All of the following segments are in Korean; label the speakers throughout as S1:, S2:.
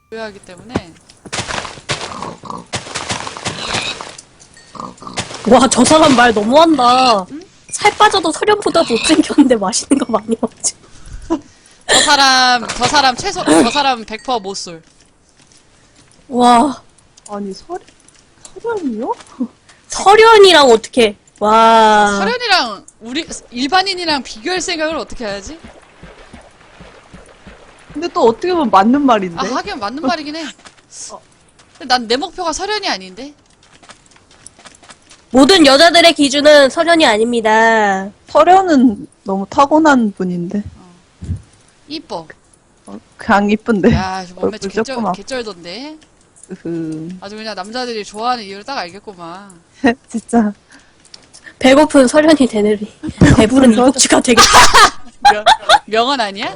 S1: 하기 때문에.
S2: 와, 저 사람 말 너무한다.
S1: 응?
S2: 살 빠져도 서련보다 못생겼는데 맛있는 거 많이 먹지.
S1: 저 사람 저 사람 100% 못쏠.
S2: 와,
S3: 아니, 서련이요?
S2: 서련이랑 어떻게, 와.
S1: 서련이랑 우리 일반인이랑 비교할 생각을 어떻게 해야지?
S3: 근데 또 어떻게 보면 맞는 말인데?
S1: 아, 하긴 맞는 말이긴 해. 근데 난 내 목표가 서련이 아닌데?
S2: 모든 여자들의 기준은 서련이 아닙니다.
S3: 서련은 너무 타고난 분인데.
S1: 이뻐.
S3: 그냥 이쁜데.
S1: 야, 몸매
S3: 얼굴 조그맣고.
S1: 개쩔던데?
S3: 그,
S1: 아주 그냥 남자들이 좋아하는 이유를 딱 알겠구만.
S3: 진짜.
S2: 배고픈 서련이 되느니 배부른 이국주가 되겠다.
S1: 명언 아니야?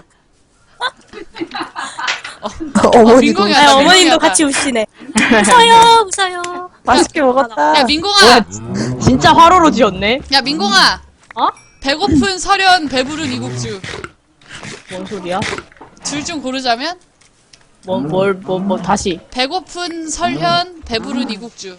S4: 어머니도
S1: 민공이
S2: 아,
S1: 왔다,
S2: 어머님도
S1: 민공이 왔다.
S2: 같이 우시네. 웃어요, 웃어요.
S3: 맛있게 먹었다.
S1: 야, 민공아!
S5: 진짜 화로로 지었네?
S1: 야, 민공아!
S5: 어?
S1: 배고픈 서련, 배부른 이국주.
S5: 뭔 소리야?
S1: 둘 중 고르자면?
S5: 다시.
S1: 배고픈 설현, 배부른 이국주.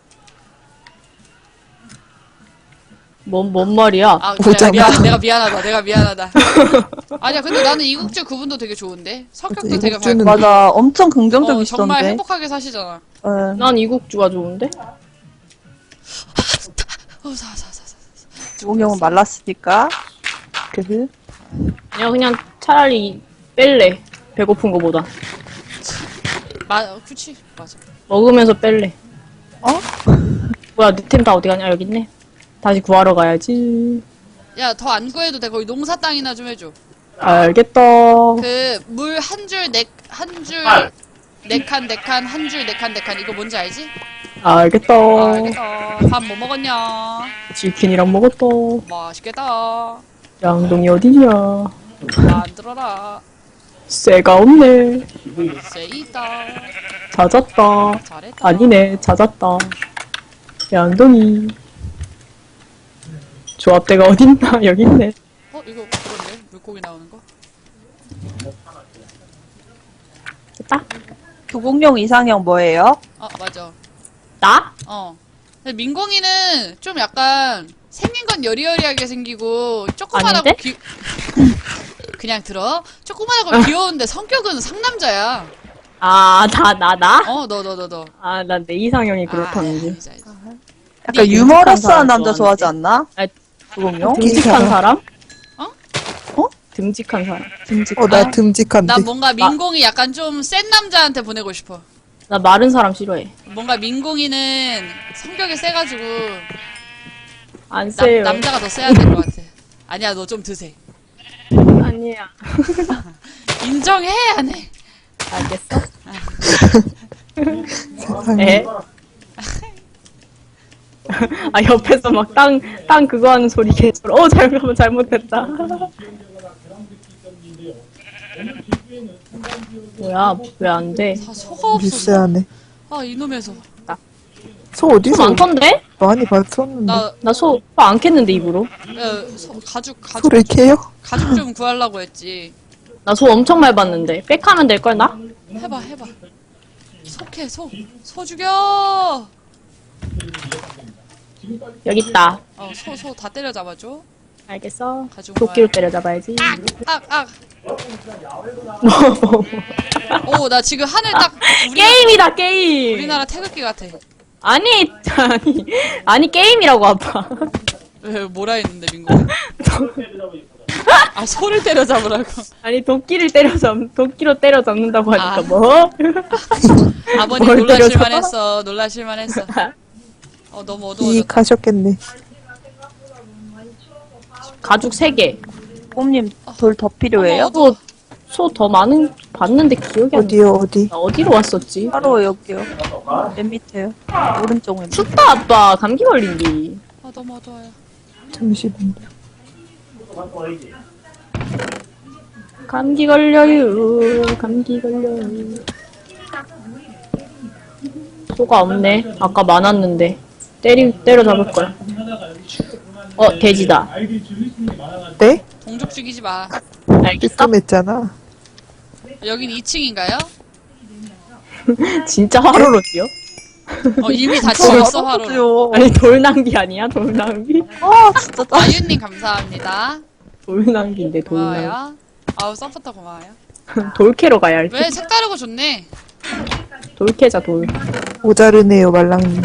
S5: 뭔 말이야?
S1: 아, 그래,
S4: 오자마자.
S1: 내가 미안하다. 아니야, 근데 나는 이국주 그분도 되게 좋은데? 성격도 되게
S4: 이국주는
S1: 밝고.
S3: 맞아. 엄청
S1: 정말
S3: 긍정적이시던데.
S1: 행복하게 사시잖아.
S3: 예.
S5: 난 이국주가 좋은데?
S1: 사.
S3: 주공형은 말랐으니까. 그,
S5: 그냥 차라리 뺄래. 배고픈 거보다.
S1: 그치, 맞아.
S5: 먹으면서 뺄래.
S3: 어?
S5: 뭐야, 내 템 다 어디 가냐? 여기 있네. 다시 구하러 가야지.
S1: 야, 더 안 구해도 돼. 거기 농사 땅이나 좀 해줘.
S5: 알겠다.
S1: 물 한 줄, 네 칸, 한 줄, 네 칸. 이거 뭔지 알지?
S5: 알겠다.
S1: 알겠다. 밥 뭐 먹었냐?
S5: 치킨이랑 먹었다.
S1: 맛있겠다.
S5: 양동이 어디냐?
S1: 만들어라.
S5: 쇠가 없네.
S1: 쎄 있다.
S5: 찾았다.
S1: 잘했다.
S5: 아니네, 찾았다. 양동이. 조합대가 어딨나? 여기 있네.
S1: 이거 그건데? 물고기 나오는 거?
S5: 됐다.
S3: 주공형 이상형 뭐예요?
S1: 맞아.
S5: 나?
S1: 근데 민공이는 좀 약간 생긴 건 여리여리하게 생기고 조그만하고
S5: 아닌데?
S1: 그냥 들어. 조그만하고 귀여운데 성격은 상남자야.
S5: 나?
S1: 너.
S5: 난 내 이상형이 그렇다는지.
S1: 알지.
S3: 약간
S5: 네,
S3: 유머러스한
S5: 사람
S3: 남자
S5: 좋아하는데.
S3: 좋아하지 않나?
S5: 아,
S3: 주공형?
S5: 듬직한 사람?
S3: 어?
S5: 듬직한 사람.
S4: 나 듬직한데.
S1: 난 뭔가 민공이 약간 좀 센 남자한테 보내고 싶어.
S5: 나 마른 사람 싫어해.
S1: 뭔가 민공이는 성격이 세가지고
S5: 안 세요.
S1: 남자가 더 세야 될 것 같아. 아니야, 너 좀 드세.
S5: 아니야.
S1: 인정해, 안 해?
S5: 알겠어?
S4: 세상에.
S5: 에? 옆에서 막 땅 그거 하는 소리 계속. 잘못했다. 뭐야, 왜 안 돼?
S1: 소가 없어.
S4: 미세하네.
S1: 이놈의 소.
S4: 소 어디서
S5: 소 많던데?
S4: 많이 봤었는데.
S1: 나
S5: 소 안 캤는데, 입으로.
S1: 가죽
S4: 소를 캐요?
S1: 가죽 좀 구하려고 했지.
S5: 나 소 엄청 많이 봤는데. 백하면 될걸, 나?
S1: 해봐. 소 죽여!
S5: 여기 있다.
S1: 소 다 때려잡아줘.
S5: 알겠어.
S1: 가죽
S5: 도끼로 때려잡아야지.
S1: 나 지금 하늘 딱
S5: 게임이다, 게임!
S1: 우리나라 태극기 같아.
S5: 아니, 게임이라고, 아빠.
S1: 왜 뭐라 했는데 민구? 소를 때려잡으라고.
S5: 아니, 도끼로 때려잡는다고 하니까,
S1: 아.
S5: 뭐?
S1: 아버님
S5: 뭘
S1: 놀라실만 했어. 너무 어두워졌다.
S4: 이익하셨겠네.
S5: 가죽 3개.
S3: 꼼님 돌 더 필요해요?
S1: 어머,
S5: 소 더 봤는데 기억이 안 나.
S4: 어디요, 어디?
S5: 나 어디로 왔었지?
S3: 바로 여기요. 맨 밑에요. 오른쪽 맨 밑에.
S5: 춥다, 아빠. 감기 걸린디.
S1: 너무 어두워요.
S4: 잠시만요.
S5: 감기 걸려요. 감기 걸려요. 소가 없네. 아까 많았는데. 때려잡을걸. 돼지다.
S4: 네?
S1: 동족 죽이지 마.
S5: 알겠어?
S4: 뜨끔했잖아.
S1: 여긴 2층인가요?
S5: 진짜 화로로 뛰어?
S1: 이미 다 지웠어, 화로.
S3: 요
S5: 아니 돌낭비 아니야? 돌낭비?
S3: 아, 진짜 짜.
S1: 아유님 감사합니다.
S5: 돌낭비인데 돌낭비.
S1: 고마워요. 아우, 서포터 고마워요.
S5: 돌캐로 가야 할 듯.
S1: 왜 색다르고 좋네.
S5: 돌캐자 돌.
S4: 모자르네요, 말랑님.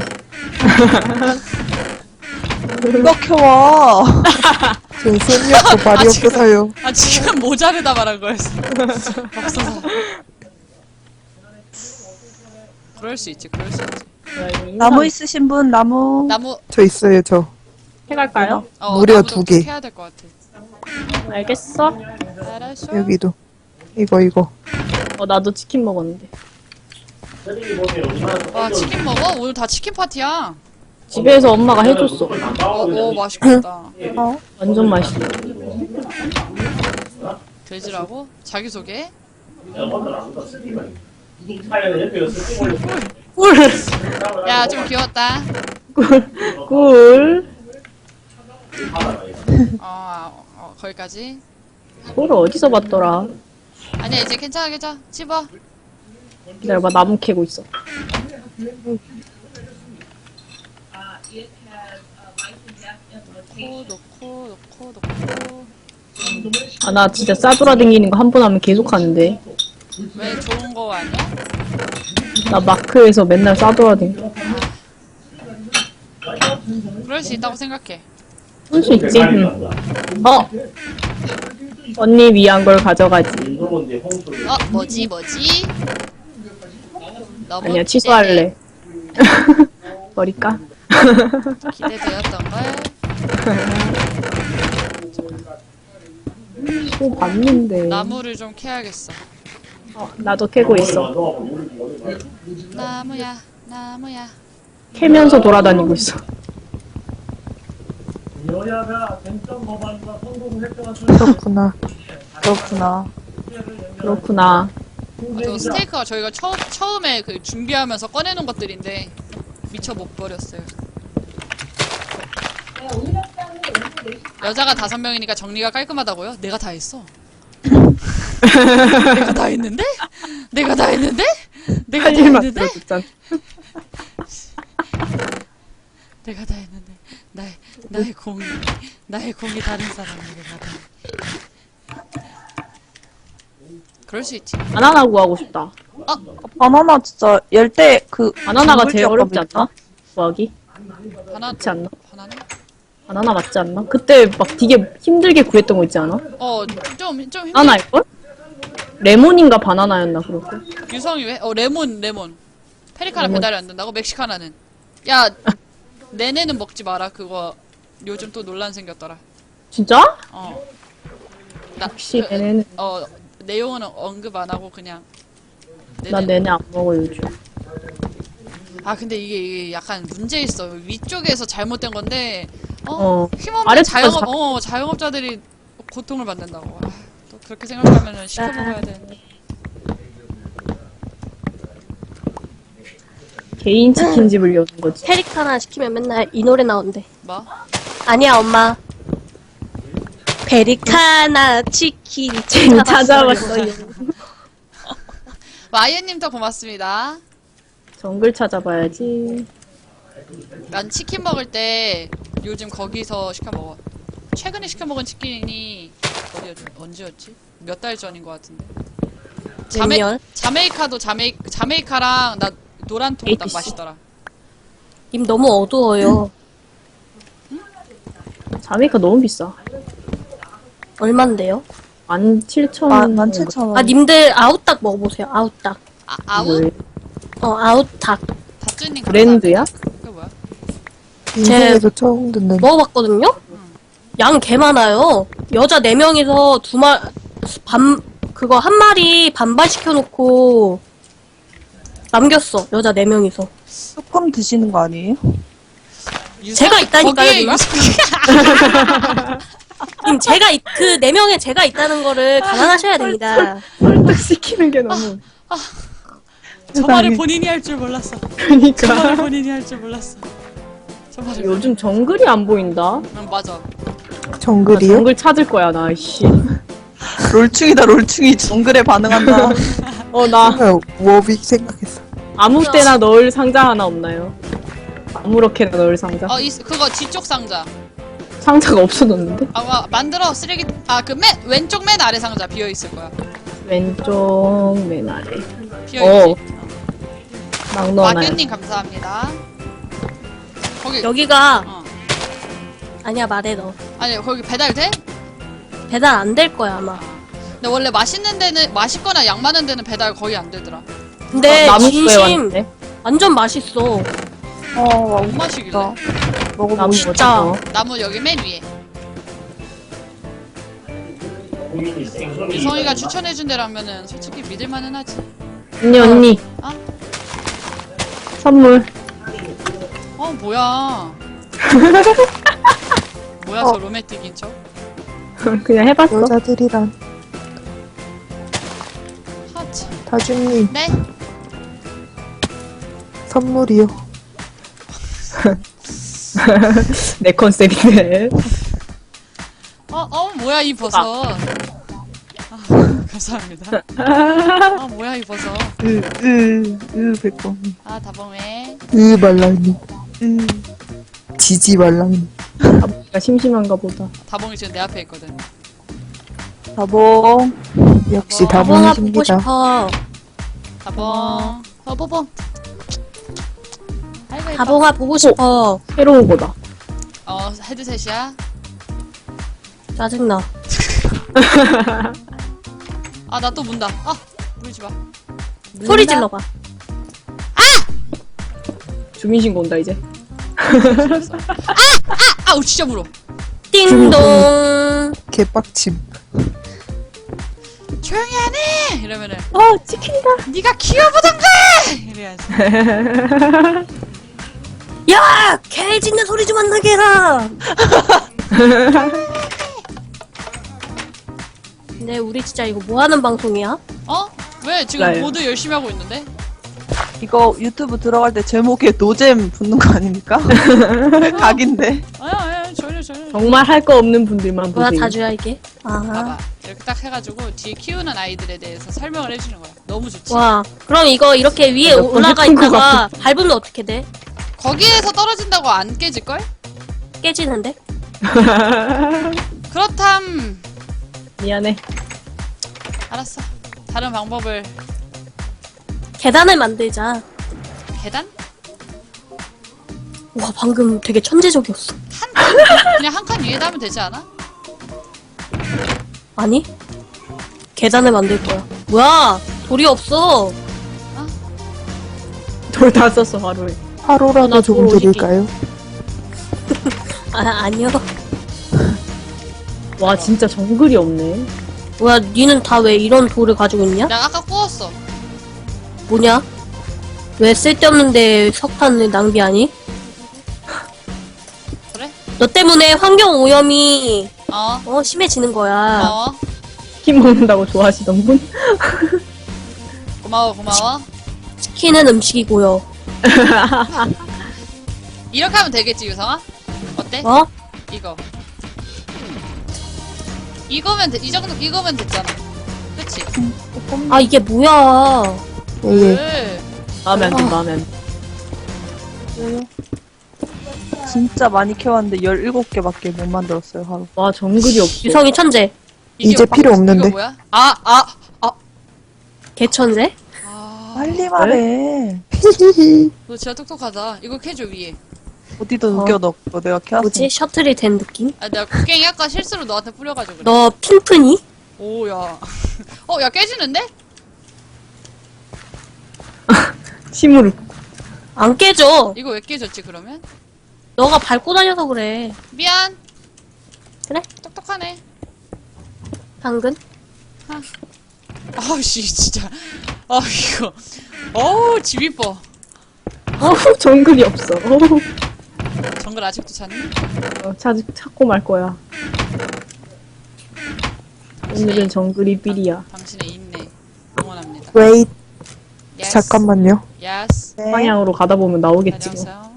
S3: 이렇게 와.
S4: 전 손이 없고 발이
S1: 지금-
S4: 없어서요.
S1: 아, 지금 모자르다 말한 거였어. 없어서. 그럴 수 있지, 그럴 수 있지.
S3: 나무 있으신 분, 나무.
S1: 나무,
S4: 저 있어요, 저.
S5: 해갈까요?
S4: 무려
S1: 나무도
S4: 2개.
S1: 해야 될 것 같아.
S5: 알겠어.
S1: 알았어.
S4: 여기도. 이거.
S5: 나도 치킨 먹었는데.
S1: 와, 치킨 먹어? 오늘 다 치킨 파티야.
S5: 집에서 엄마가 해줬어.
S1: 오, 맛있겠다.
S5: 완전 맛있어.
S1: 돼지라고? 자기소개?
S5: 꿀!
S1: 야, 좀 귀여웠다.
S5: 꿀!
S1: 거기까지.
S5: 꿀을 어디서 봤더라?
S1: 아니야, 이제 괜찮아. 집어.
S5: 기다려봐, 나무 캐고 있어.
S1: 놓고.
S5: 아, 나 진짜 싸돌아다니는 거 한 번 하면 계속 하는데.
S1: 왜 좋은 거 아니야?
S5: 나 마크에서 맨날 싸돌아다니.
S1: 그럴 수 있다고 생각해.
S5: 할 수 있지? 응. 언니 위한 걸 가져가지.
S1: 뭐지? 너무
S5: 아니야, 취소할래. 버릴까?
S1: 기대되었던걸.
S5: 또 봤는데.
S1: 나무를 좀 캐야겠어.
S5: 나도 캐고 있어.
S1: 나무야.
S5: 캐면서 돌아다니고 있어.
S4: 그렇구나.
S5: 그렇구나.
S1: 저 스테이크가 저희가 처음에 그 준비하면서 꺼내놓은 것들인데 미처 못 버렸어요. 여자가 5명이니까 정리가 깔끔하다고요? 내가 다 했어. 내가 다 했는데?
S5: 할 일만 들어줬잖아.
S1: 내가 다 했는데 나의 공이 다른 사람에게 가다. 그럴 수 있지.
S5: 바나나 구하고 싶다.
S3: 바나나 진짜 열대
S5: 바나나가 제일
S3: 작물
S5: 어렵지
S3: 지역거든요.
S5: 않나? 구하기?
S1: 바나나
S5: 그렇지 않나?
S1: 바나나?
S5: 바나나 맞지 않나? 그때 막 되게 힘들게 구했던 거 있지 않아?
S1: 좀 힘들.
S5: 바나나일걸? 레몬인가 바나나였나 그럴걸?
S1: 유성이 왜? 레몬. 페리카나
S5: 레몬.
S1: 배달이 안 된다고? 멕시카나는. 야, 내내는 먹지 마라. 그거 요즘 또 논란 생겼더라.
S5: 진짜?
S1: 혹시
S5: 얘네는
S1: 내용은 언급 안 하고 그냥.
S5: 나 내내 안 먹어 요즘.
S1: 근데 이게 약간 문제 있어. 위쪽에서 잘못된 건데 힘없는
S5: 아래쪽에서
S1: 자영업자들이 고통을 받는다고. 또 그렇게 생각하면은 시켜 먹어야 되는데.
S5: 개인 치킨집을 여는 거지.
S2: 페리카나 시키면 맨날 이 노래 나온대.
S1: 뭐?
S2: 아니야, 엄마. 페리카나 치킨
S5: 찾아봤어요.
S1: 마이애님도 고맙습니다.
S5: 정글 찾아봐야지.
S1: 난 치킨 먹을 때 요즘 거기서 시켜 먹어. 최근에 시켜 먹은 치킨이 언제였지? 몇 달 전인 것 같은데.
S2: 몇 년?
S1: 자메이카도 자메이카랑 나 노란 통 딱
S5: ATC.
S1: 맛있더라.
S2: 님 너무 어두워요.
S5: 자메이카 너무 비싸.
S2: 얼만데요?
S5: 17,000원.
S3: 17,000원.
S2: 아, 님들 아웃닭 먹어보세요. 아웃닭.
S1: 아웃?
S2: 아웃닭.
S1: 다쯔님
S5: 브랜드야?
S1: 그게 뭐야?
S4: 인생에서 처음 듣는.
S2: 먹어봤거든요? 양 개 많아요. 여자 4명이서 그거 한 마리 반반 시켜놓고 남겼어. 여자 4명이서.
S3: 조금 드시는 거 아니에요?
S2: 제가 있다니까요,
S1: 거기에
S2: 누나?
S1: 유성-
S2: 님, 그 4명에 제가 있다는 거를 감안하셔야 됩니다.
S5: 설득 시키는 게 너무.
S1: 저 말을 본인이 할 줄 몰랐어. 저
S5: 그러니까.
S1: 말을 본인이 할 줄 몰랐어. 저 말을.
S5: 요즘 정글이 안 보인다.
S1: 맞아.
S5: 나
S4: 정글이요?
S5: 정글 찾을 거야 나. 씨.
S3: 롤충이다, 롤충이. 정글에 반응한다.
S5: 나
S4: 워빅 생각했어.
S5: 아무 때나 넣을 상자 하나 없나요? 아무렇게나 넣을 상자.
S1: 그거 뒤쪽 상자.
S5: 상자가 없어졌는데?
S1: 만들어 쓰레기. 그 왼쪽 맨 아래 상자 비어 있을 거야.
S5: 왼쪽 맨 아래.
S1: 비어 있지.
S5: 막 넣어놔요.
S1: 마견님 감사합니다. 거기
S2: 여기가
S1: 어.
S2: 아니야 말해 너.
S1: 아니 거기 배달 돼?
S2: 배달 안 될 거야 아마.
S1: 근데 원래 맛있는 데는 맛있거나 양 많은 데는 배달 거의 안 되더라.
S2: 근데
S5: 나무숲에
S2: 진심
S5: 왔는데?
S2: 완전 맛있어.
S1: 뭔 맛이길래?
S5: 나무
S2: 뭐 진짜.
S5: 어쩌고.
S1: 나무 여기 맨 위에. 미성이가 추천해준 데라면은 솔직히 믿을만은 하지.
S5: 언니.
S1: 어?
S5: 선물.
S1: 뭐야? 뭐야 저 로맨틱인 척?
S5: 그냥 해봤어.
S4: 여자들이란.
S1: 하치.
S4: 다준님,
S1: 네?
S4: 선물이요.
S5: 내 컨셉인데.
S1: 뭐야 이 버섯. 감사합니다. 뭐야 이 버섯.
S4: 백범.
S1: 다봉해.
S4: 말랑이. 지지 말랑이.
S5: 아버지가 심심한가 보다.
S1: 다봉이 지금 내 앞에 있거든.
S4: 다봉. 역시
S2: 다봉아 보고
S4: 다봉이십니다.
S2: 싶어.
S1: 다봉. 뽀봉. 아이고 예뻐.
S2: 다봉아 보고 싶어.
S5: 새로운 거다.
S1: 헤드셋이야.
S2: 짜증나.
S1: 나 또 문다. 물지 마.
S2: 소리 질러봐.
S5: 주민신고 온다 이제.
S1: 아우 진짜 물어.
S2: 띵동.
S4: 개빡침.
S1: 조용히 하네. 이러면은
S5: 치킨이다.
S1: 네가 키워보던가. 이래야지.
S2: 야! 개 짖는 소리 좀 안 나게 해라! 근데 우리 진짜 이거 뭐 하는 방송이야?
S1: 왜 지금
S5: 몰라요.
S1: 모두 열심히 하고 있는데?
S6: 이거 유튜브 들어갈 때 제목에 노잼 붙는 거 아닙니까? 각인데.
S1: 아야 전혀.
S5: 정말 할 거 없는 분들만
S2: 뭐야
S5: 보세요.
S2: 다주야 이게?
S1: 봐봐. 이렇게 딱 해가지고 뒤에 키우는 아이들에 대해서 설명을 해주는 거야. 너무 좋지.
S2: 와 그럼 이거 이렇게 위에
S5: 몇번
S2: 올라가
S5: 해본 것
S2: 있다가 밟으면 어떻게 돼?
S1: 거기에서 떨어진다고 안 깨질걸?
S2: 깨지는데?
S1: 그렇담.
S5: 미안해.
S1: 알았어. 다른 방법을.
S2: 계단을 만들자.
S1: 계단?
S2: 와 방금 되게 천재적이었어.
S1: 그냥 한 칸 위에다 하면 되지 않아?
S2: 아니? 계단을 만들 거야. 뭐야 돌이 없어.
S5: 돌 다 썼어 하루에.
S4: 하루라도
S2: 나
S4: 좀
S2: 돌
S4: 드릴까요?
S2: 아니요.
S5: 와 진짜 정글이 없네.
S2: 뭐야 니는 다 왜 이런 돌을 가지고 있냐?
S1: 내가 아까 구웠어.
S2: 뭐냐? 왜 쓸데없는데 석탄을 낭비하니?
S1: 그래?
S2: 너 때문에 환경 오염이
S1: 어.
S2: 심해지는 거야.
S5: 치킨 먹는다고 좋아하시던 분?
S1: 고마워.
S2: 치킨은 음식이고요.
S1: 이렇게 하면 되겠지 유성아? 어때?
S2: 어?
S1: 이거. 이거면 됐잖아. 그치?
S2: 아 이게 뭐야?
S4: 예.
S1: 왜?
S5: 마음에 안 든다. 마음에 안 든다.
S6: 진짜 많이 키웠는데 17개밖에 못 만들었어요, 하루.
S5: 와 정글이 없어.
S2: 유성이 천재.
S4: 이제 필요 없는데.
S1: 이거 뭐야?
S2: 개천재?
S6: 빨리 말해.
S1: 너 진짜 똑똑하다. 이거 캐줘 위에.
S6: 어디다 녹여 넣고 내가 키웠어.
S2: 뭐지? 셔틀이 된 느낌?
S1: 내가 곡괭이 아까 실수로 너한테 뿌려가지고 그래.
S2: 너 핑프니?
S1: 오야. 야 깨지는데?
S5: 침으로.
S2: 안 깨져.
S1: 이거 왜 깨졌지 그러면?
S2: 너가 밟고 다녀서 그래.
S1: 미안.
S2: 그래?
S1: 똑똑하네.
S2: 당근?
S1: 아우씨 진짜. 이거. 집 이뻐.
S5: 정글이 없어.
S1: 정글 아직도 찾니?
S5: 찾고 말 거야. 오늘은 정글이 삘이야.
S1: 당신의 인내 응원합니다.
S4: Wait.
S1: Yes.
S4: 잠깐만요.
S1: Yes.
S5: 방향으로 가다 보면 나오겠지 뭐.
S1: 안녕하세요.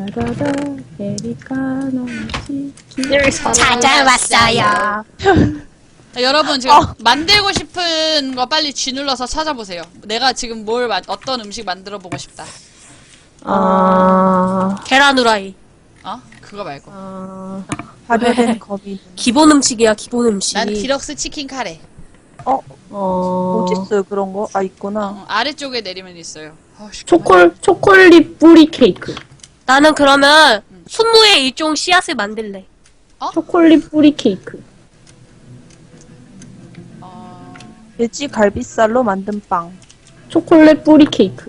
S5: 따다다 아메리카노 치킨.
S1: 여기서
S2: 찾아왔어요.
S1: 자, 여러분 지금 만들고 싶은 거 빨리 G 눌러서 찾아보세요. 내가 지금 어떤 음식 만들어 보고 싶다.
S2: 계란 후라이.
S1: 어? 그거 말고.
S6: 발효된 거미.
S2: 기본 음식이야, 기본 음식.
S1: 난 디럭스 치킨 카레.
S6: 어디 있어요 그런 거? 아 있구나.
S1: 아래쪽에 내리면 있어요.
S5: 초콜릿 뿌리 케이크.
S2: 나는 그러면 순무의 일종 씨앗을 만들래.
S5: 초콜릿 뿌리 케이크.
S6: 돼지 갈비살로 만든 빵.
S5: 초콜릿 뿌리 케이크.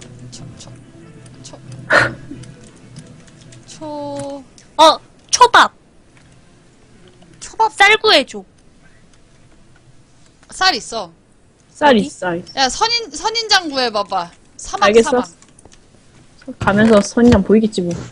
S2: 초밥.
S1: 초밥
S2: 쌀구해줘.
S1: 쌀 있어.
S5: 쌀 있어.
S1: 야 선인장 구해봐봐. 사막
S5: 알겠어.
S1: 사막.
S5: 가면서 선인장 보이겠지 뭐.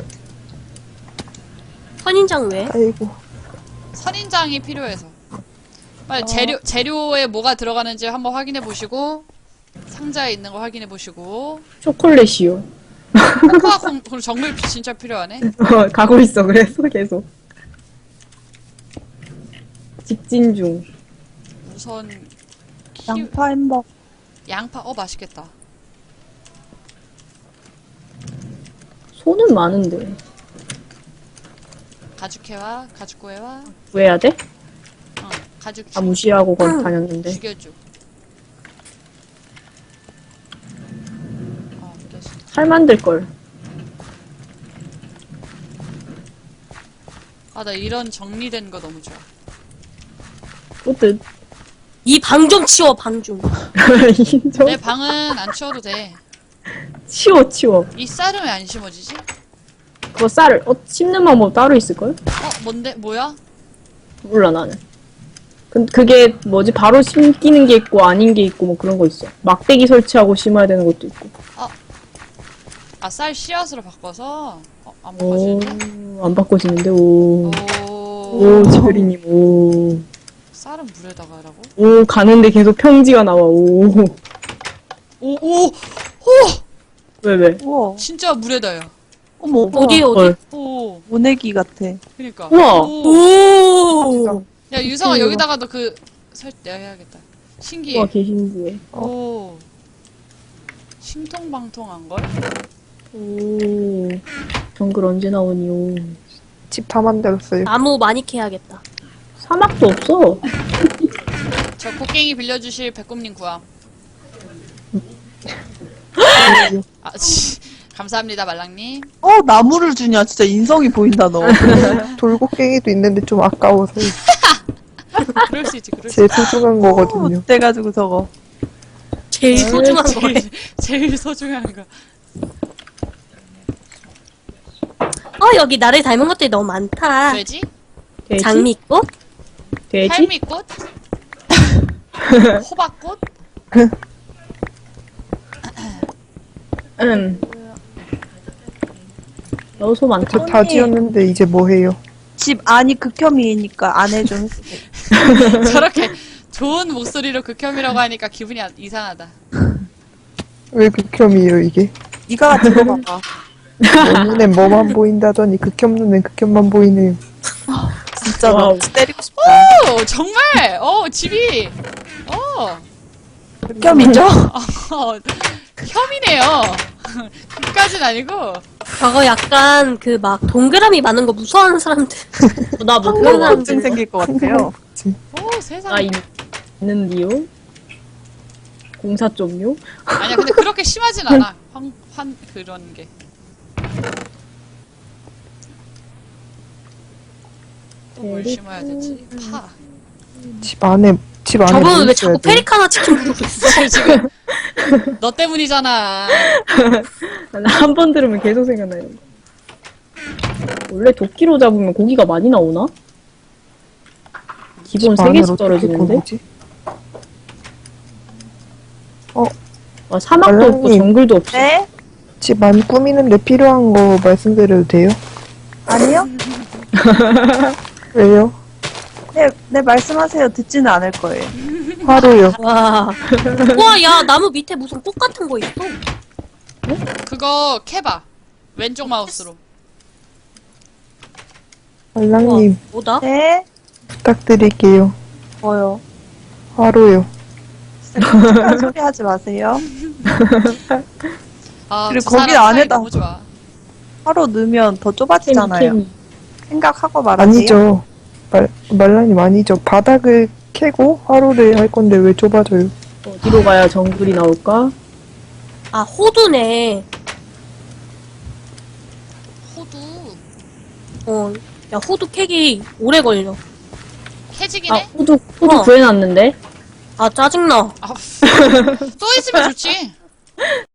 S2: 선인장 왜?
S4: 아이고.
S1: 선인장이 필요해서. 빨리 재료에 뭐가 들어가는지 한번 확인해 보시고 상자에 있는 거 확인해 보시고.
S5: 초콜릿이요.
S1: 코코아 그럼 정글 진짜 필요하네.
S5: 가고 있어 그래서 계속. 직진 중.
S1: 우선
S6: 양파 햄버거.
S1: 양파 맛있겠다.
S5: 손은 많은데.
S1: 가죽해와 가죽구해와.
S5: 구해야 돼?
S1: 가죽
S5: 다 무시하고 다녔는데.
S1: 죽여줘. 됐어.
S5: 칼 만들 걸.
S1: 나 이런 정리된 거 너무 좋아.
S5: 뿌듯.
S2: 이 방 좀 치워, 방 좀.
S5: 인정.
S1: 내 방은 안 치워도 돼.
S5: 치워.
S1: 이 쌀은 왜 안 심어지지?
S5: 그거 쌀을 씹는 방법 따로 있을걸?
S1: 뭔데? 뭐야?
S5: 몰라 나는. 그게 뭐지? 바로 심기는 게 있고 아닌 게 있고 뭐 그런 거 있어. 막대기 설치하고 심어야 되는 것도 있고.
S1: 쌀 씨앗으로 바꿔서 안
S5: 오,
S1: 바꿔지는데?
S5: 안 바꿔지는데. 오,
S1: 오.
S5: 지별이님. 오,
S1: 쌀은 물에다가 하라고?
S5: 오 가는데 계속 평지가 나와. 오,
S1: 오.
S5: 왜?
S6: 우와.
S1: 진짜 물에다요.
S6: 어머.
S2: 어디?
S5: 헐.
S1: 오.
S6: 모내기 같아.
S1: 그니까.
S5: 우와.
S2: 오!
S1: 야 유성아 여기다가 너 내가 해야겠다. 신기해.
S5: 와 계신데.
S1: 오. 신통방통한 걸?
S5: 오, 정글 언제 나오니요?
S4: 집 다 만들었어요.
S2: 나무 많이 캐야겠다.
S5: 사막도 없어.
S1: 저 곡괭이 빌려주실 백곰님 구함. 감사합니다 말랑님.
S6: 나무를 주냐. 진짜 인성이 보인다 너.
S4: 돌고갱이도 있는데 좀 아까워서
S1: 그럴 수 있지.
S4: 제일 소중한 거거든요.
S6: 그래가지고 저거.
S2: 제일 소중한 거래.
S1: 제일 소중한 거.
S2: 여기 나를 닮은 것들이 너무 많다.
S1: 돼지?
S5: 돼지?
S2: 장미꽃?
S5: 돼지?
S1: 할미꽃? 호박꽃?
S5: 소 많다.
S4: 저 다 지었는데 이제 뭐 해요?
S6: 집 안이 극혐이니까 안에 좀 해주세요.
S1: 저렇게 좋은 목소리로 극혐이라고 하니까 기분이 이상하다.
S4: 왜 극혐이에요 이게?
S6: 네가 들어봐봐.
S4: 뭐 눈엔 뭐만 보인다더니 극혐 눈엔 극혐만 보이네요.
S6: 진짜 너
S5: 와우.
S6: 때리고 싶다.
S1: 오 정말! 집이!
S6: 극혐이죠?
S1: 혐이네요. 그까진 아니고.
S2: 저거 약간 막 동그라미 많은 거 무서워하는 사람들.
S5: 나 뭐
S2: 그런
S5: 그런
S2: 사람들.
S6: 걱정 생길 것 같아요.
S1: 세상에.
S5: 있는디요? 공사 좀요?
S1: 아니야 근데 그렇게 심하진 않아. 그런 게. 또 뭘 심어야 되지? 파.
S4: 집 안에 뭐
S2: 저분은 왜
S4: 있어야
S2: 자꾸
S4: 돼요?
S2: 페리카나 치킨 부르고 있어?
S1: 지금 너 때문이잖아.
S5: 한 번 들으면 계속 생각나 이런 거. 원래 도끼로 잡으면 고기가 많이 나오나? 기본
S4: 집
S5: 3개씩
S4: 안으로
S5: 떨어지는데?
S4: 어떻게
S5: 사막도 없고
S4: 말랑님.
S5: 정글도 없어.
S6: 네?
S4: 집 안 꾸미는데 필요한 거 말씀드려도 돼요?
S6: 아니요?
S4: 왜요?
S6: 네 말씀하세요. 듣지는 않을 거예요.
S4: 하루요.
S2: 와. 우와, 야, 나무 밑에 무슨 꽃 같은 거 있어.
S1: 그거 캐봐. 왼쪽 마우스로.
S4: 말랑님
S2: 뭐다?
S6: 네?
S4: 부탁드릴게요.
S6: 뭐요?
S4: 화로요.
S6: 끔찍한 소리 하지 마세요.
S1: 아,
S6: 그리고
S1: 두 사람
S6: 거기
S1: 사이
S6: 안에다-
S1: 너무 좋아.
S6: 하루 넣으면 더 좁아지잖아요.
S5: 케미.
S6: 생각하고 말하세요.
S4: 아니죠. 말랑님 아니죠. 바닥을 캐고 화로를 할 건데 왜 좁아져요?
S5: 어디로 가야 정글이 나올까?
S2: 아, 호두네.
S1: 호두.
S2: 야, 호두 캐기 오래 걸려.
S1: 캐지긴
S5: 아,
S1: 해?
S5: 호두
S2: 어.
S5: 구해놨는데?
S2: 아, 짜증나.
S1: 아, 또 있으면 좋지.